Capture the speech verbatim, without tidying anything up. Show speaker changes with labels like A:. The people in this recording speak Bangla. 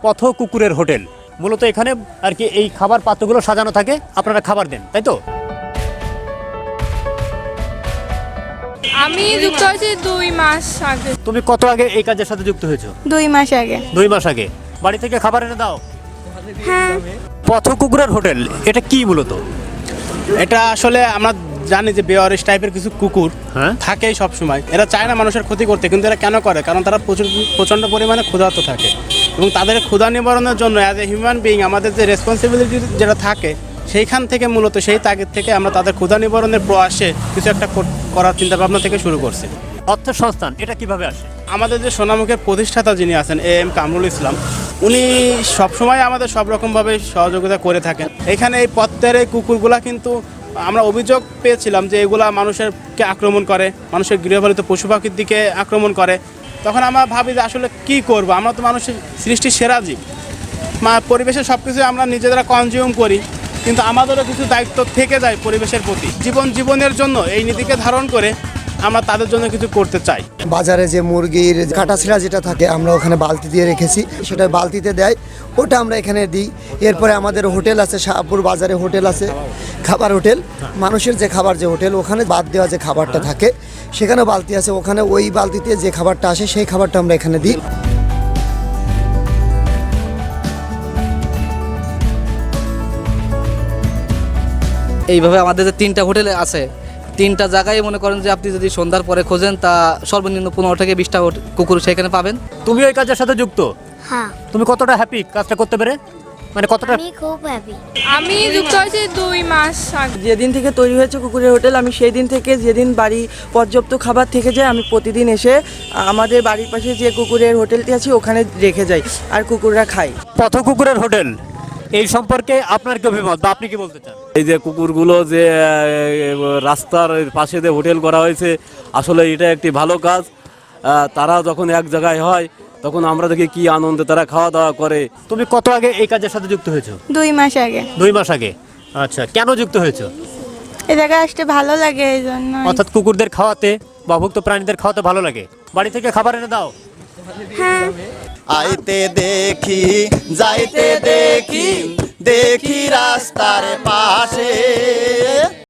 A: পথ কুকুরের হোটেল। মূলত এখানে আর কি এই খাবার পাত্রগুলো সাজানো থাকে, আপনারা খাবার দেন, তাই তো?
B: আমি যুক্ত হয়েছি দুই মাস আগে।
A: তুমি কত আগে এই কাজের সাথে যুক্ত হয়েছো?
B: দুই মাস আগে।
A: দুই মাস আগে। বাড়ি থেকে খাবার এনে দাও?
B: হ্যাঁ।
A: পথ কুকুরের হোটেল এটা কি মূলত?
C: এটা আসলে আমরা জানি যে বেওয়ারিশ টাইপের কিছু কুকুর
A: হ্যাঁ
C: থাকেই সব সময়। এরা চায় না মানুষের ক্ষতি করতে, কিন্তু এরা কেন করে? কারণ তারা প্রচুর প্রচণ্ড পরিমাণে ক্ষুধার্ত থাকে, এবং তাদের ক্ষুধা নিবারণের জন্য অ্যাজ এ হিউম্যান বিইং আমাদের যে রেসপন্সিবিলিটি যেটা থাকে, সেইখান থেকে মূলত সেই তাগিদ থেকে আমরা তাদের ক্ষুধা নিবারণের প্রয়াসে কিছু একটা করার চিন্তাভাবনা থেকে শুরু করছি।
A: অর্থ সংস্থান এটা কিভাবে আসে?
C: আমাদের যে সোনামুখের প্রতিষ্ঠাতা যিনি আছেন এ এম কামরুল ইসলাম, উনি সবসময় আমাদের সব রকমভাবে সহযোগিতা করে থাকেন। এখানে এই পথের এই কুকুরগুলা কিন্তু আমরা অভিযোগ পেয়েছিলাম যে এগুলা মানুষেরকে আক্রমণ করে, মানুষের গৃহপালিত পশু পাখির দিকে আক্রমণ করে। তখন আমরা ভাবি যে আসলে কি করব, আমরা তো মানুষের সৃষ্টির সেরা জীব, মা পরিবেশের সব কিছু আমরা নিজেরা কনজিউম করি, কিন্তু আমাদেরও কিছু দায়িত্ব থেকে যায় পরিবেশের প্রতি। জীবন জীবনের জন্য এই নীতিকে ধারণ করে আমরা তাদের জন্য কিছু করতে চাই।
D: বাজারে যে মুরগির কাটাছিড়া যেটা থাকে আমরা ওখানে বালতি দিয়ে রেখেছি, সেটা বালতিতে দেয়, ওটা আমরা এখানে দিই। এরপরে আমাদের হোটেল আছে, শাহপুর বাজারে হোটেল আছে, খাবার হোটেল, মানুষের যে খাবার যে হোটেল, ওখানে বাদ দেওয়া যে খাবারটা থাকে সেখানে বালতি আছে, ওখানে ওই বালতিতে যে খাবারটা আসে সেই খাবারটা আমরা এখানে দিই।
E: এইভাবে আমাদের যে তিনটা হোটেল আছে, তিনটা জায়গায় মনে করেন যে আপনি যদি সন্ধ্যার পরে খোঁজেন তা সর্বনিম্ন পনেরো থেকে বিশটা কুকুর সেখানে পাবেন।
A: তুমি ওই কাজের সাথে যুক্ত?
F: হ্যাঁ।
A: তুমি কতটা হ্যাপি কাজটা করতে পেরে? মানে কতটা?
F: আমি খুব হ্যাপি।
B: আমি যুক্ত হয়েছি দুই মাস আগে।
G: যেদিন থেকে তৈরি হয়েছে কুকুরের হোটেল, আমি সেই দিন থেকে যেদিন বাড়ি পর্যাপ্ত খাবার থেকে যায় আমি প্রতিদিন এসে আমাদের বাড়ির পাশে যে কুকুরের হোটেলটি আছে ওখানে রেখে যাই, আর কুকুররা খায়।
A: পথ কুকুরের হোটেল এই সম্পর্কে আপনার কি অভিমত বা আপনি কি বলতে চান?
H: এই যে কুকুরগুলো যে আহ, রাস্তার পাশে যে হোটেল করা হয়েছে, আসলে এটা একটি ভালো কাজ। আহ, তারা যখন এক জায়গায় হয় তখন আমরা দেখি কি আনন্দে তারা খাওয়া দাওয়া করে।
A: তুমি কত আগে এই কাজের সাথে যুক্ত হয়েছো?
B: দুই মাস আগে।
A: দুই মাস আগে। আচ্ছা, কেন যুক্ত হয়েছো?
B: এই জায়গায় আসতে ভালো লাগে এই জন্য।
A: অর্থাৎ কুকুরদের খাওয়াতে বা ভুক্ত প্রাণীদের খাওয়াতে ভালো লাগে। বাড়ি থেকে খাবার এনে দাও?
B: হ্যাঁ।
I: আইতে দেখি যাইতে দেখি দেখি রাস্তার পাশে